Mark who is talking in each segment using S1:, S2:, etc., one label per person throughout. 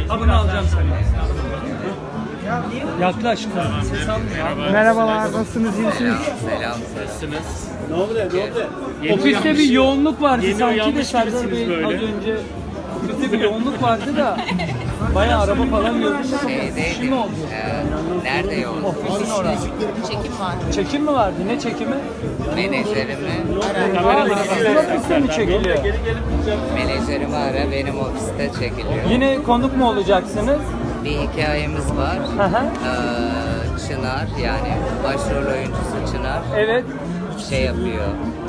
S1: Ha bunu alacağım sana. Yaklaş. Ses almıyor.
S2: Merhabalar, nasılsınız, iyi misiniz?
S3: Selam.
S4: Nasılsınız?
S5: Ne oldu?
S1: Ofiste bir yoğunluk vardı
S4: Yeni
S1: sanki de
S4: uyanmış
S1: Serdar
S4: gibisiniz
S1: Bey az
S4: böyle.
S1: önce. Ofiste bir yoğunluk vardı da bayağı araba falan gördüm. Bir şey mi oldu?
S3: Nerede yoğun?
S1: Ofisin orası.
S6: Çekim var.
S1: Çekim mi vardı? Ne çekimi?
S3: Menajerimi
S1: Sizin ofiste mi çekiliyor?
S3: Menajerimi ara, benim ofiste çekiliyor.
S1: Yine konuk mu olacaksınız?
S3: Bir hikayemiz var.
S1: Hı hı.
S3: Çınar, yani başrol oyuncusu Çınar
S1: Evet.
S3: şey yapıyor.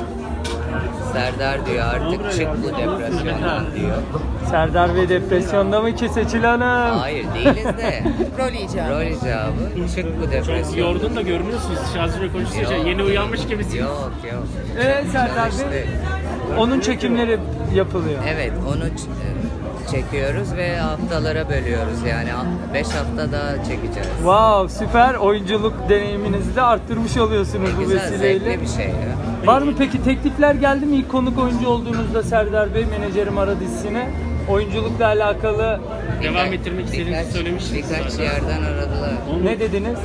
S3: Serdar diyor artık çık bu depresyondan diyor.
S1: Serdar Bey depresyonda mı ki Seçil Hanım?
S3: Hayır değiliz de.
S6: Rol icabı.
S3: Rol icabı çık bu
S4: Çok
S3: depresyondan.
S4: yorgun da görünüyorsunuz. Şarjı konuşunca
S3: Yok.
S4: yeni uyanmış gibisiniz.
S3: Yok yok.
S1: Serdar Bey.
S3: Çalıştık.
S1: Onun çekimleri yapılıyor.
S3: Evet onu çekiyoruz ve haftalara bölüyoruz, yani 5 hafta daha çekeceğiz.
S1: Wow, süper. Oyunculuk deneyiminizi de arttırmış oluyorsunuz bu
S3: Güzel,
S1: vesileyle.
S3: zevkli bir şey ya.
S1: Var mı peki teklifler geldi mi ilk konuk oyuncu olduğunuzda Serdar Bey menajerim ara dizisine? Oyunculukla alakalı
S4: Devam ettirmek istediğinizi söylemiştiniz
S3: Birkaç
S4: zaten.
S3: yerden aradılar.
S1: ne dediniz?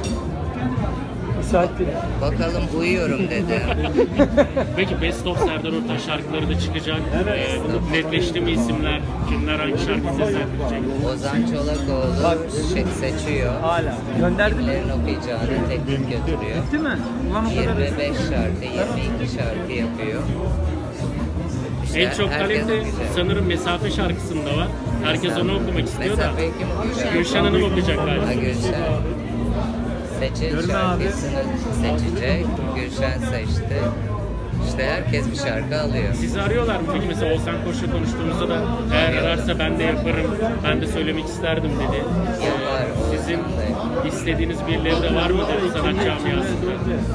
S1: Müsait değil.
S3: Bakalım uyuyorum dedi.
S4: Peki Best of Serdar Ortaç şarkıları da çıkacak. Netleşti mi isimler? Kimler hangi şarkı seslendirecek?
S3: Ozan Çolakoğlu seçiyor.
S1: Hala. Gönderdi mi?
S3: Kimlerin okuyacağını teklif götürüyor.
S1: Değil mi? Ulan o kadar.
S3: 25 şarkı, 22 şarkı yapıyor. İşte
S4: En çok
S3: herkes
S4: talep de
S3: okuyacak.
S4: sanırım Mesafe şarkısında var. Herkes onu okumak istiyor da.
S3: Mesafeyi kim okuyacak?
S4: Gülşen Hanım okuyacak galiba.
S3: Ha, Gülşen. Seçil şarkısını seçecek. Gülşen seçti. İşte herkes bir şarkı alıyor.
S4: Sizi arıyorlar mı peki? Mesela Oğuzhan Koç'la konuştuğumuzda da eğer ararsa ben de yaparım, ben de söylemek isterdim dedi.
S3: Yapar,
S4: Sizin
S3: Oğuzhan da.
S4: istediğiniz birileri de var mıdır sanat camiasında?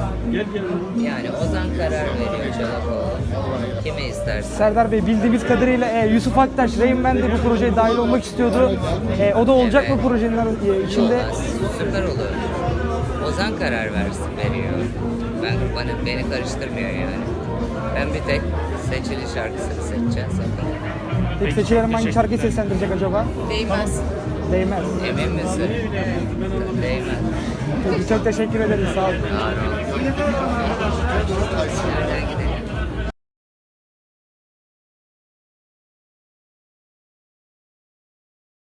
S3: Yani Ozan karar veriyor Çolakoğlu. Kimi istersin?
S2: Serdar Bey, bildiğimiz kadarıyla Yusuf Aktaş, Rain Man de bu projeye dahil olmak istiyordu. O da olacak
S3: Evet.
S2: mı projenin içinde?
S3: Olmaz, süper olur. Ozan karar veriyor. Beni karıştırmıyor yani. Ben bir tek Seçili şarkısını seçeceğim sakın.
S2: Peki Seçil Hanım hangi şarkıyı seslendirecek acaba?
S6: Değmez.
S2: Değmez.
S3: Emin misin? Değmez.
S2: Peki, çok teşekkür ederiz, sağ olun.
S3: Ağır ol. Nereden gidiyor?